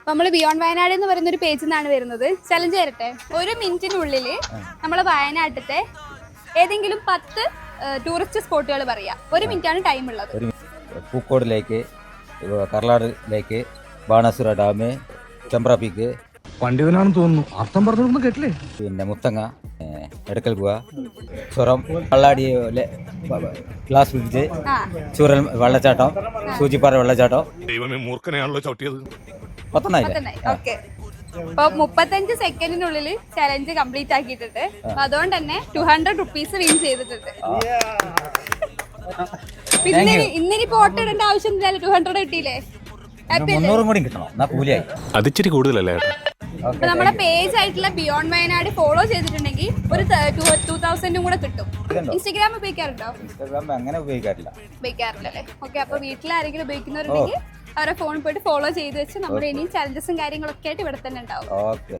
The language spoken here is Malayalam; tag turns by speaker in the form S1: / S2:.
S1: നമ്മൾ ബിയോണ്ട് വയനാട് എന്ന് പറയുന്ന ഒരു പേജിൽ നിന്നാണ് വരുന്നത്. ചലഞ്ച് തരട്ടെ. 1 മിനിറ്റിനുള്ളിൽ നമ്മൾ വയനാട്ടിലത്തെ ഏതെങ്കിലും 10 ടൂറിസ്റ്റ് സ്പോട്ടുകൾ പറയാം. 1 മിനിറ്റാണ് ടൈം ഉള്ളത്.
S2: Pookode lake, Karlad lake, Banasura dam, Chembra peak,
S3: പണ്ഡിതനാണെന്ന് തോന്നുന്നു. അർത്ഥം പറഞ്ഞൊന്നും കേട്ടില്ലേ?
S2: പിന്നെ മുത്തങ്ങ, എടക്കൽ ഗുഹ, ചുരം, കള്ളാടി ഗ്ലാസ് ബ്രിഡ്ജ്, ചൂരൽ വെള്ളച്ചാട്ടം, സൂചിപ്പാറ വെള്ളച്ചാട്ടം.
S4: ദൈവമേ, മൂർഖനെയാണല്ലോ ചവിട്ടിയത്.
S2: 10
S1: ഓക്കെ. അപ്പൊ 35 സെക്കൻഡിനുള്ളിൽ ചലഞ്ച് കംപ്ലീറ്റ് ആക്കിയിട്ടുണ്ട്. അതുകൊണ്ട് തന്നെ 200 റുപ്പീസ് വിൻ ചെയ്തിട്ടുണ്ട്. പിന്നെ ഇന്നിപ്പോ ഓട്ടോ ഇടേണ്ട ആവശ്യം 200 കിട്ടിയില്ലേ?
S2: 300 കൂടി കിട്ടണം, എന്നാ കൂലിയായി.
S4: അതിച്ചിരി കൂടുതലല്ലേ?
S1: അപ്പൊ നമ്മുടെ പേജ് ആയിട്ടുള്ള ബിയോണ്ട് വയനാട് ഫോളോ ചെയ്തിട്ടുണ്ടെങ്കിൽ ഒരു 2000 കൂടെ കിട്ടും. ഇൻസ്റ്റാഗ്രാം ഉപയോഗിക്കാറുണ്ടോ?
S2: ഇൻസ്റ്റാഗ്രാം അങ്ങനെ
S1: ഉപയോഗിക്കാറില്ലല്ലേ? ഓക്കെ. അപ്പൊ വീട്ടിൽ ആരെങ്കിലും ഉപയോഗിക്കുന്നവരുണ്ടെങ്കിൽ അവരെ ഫോണിൽ പോയിട്ട് ഫോളോ ചെയ്ത് വെച്ച് നമ്മുടെ ഇനിയും ചലഞ്ചസും കാര്യങ്ങളൊക്കെ ആയിട്ട് ഇവിടെ തന്നെ ഉണ്ടാവും.
S2: ഓക്കെ.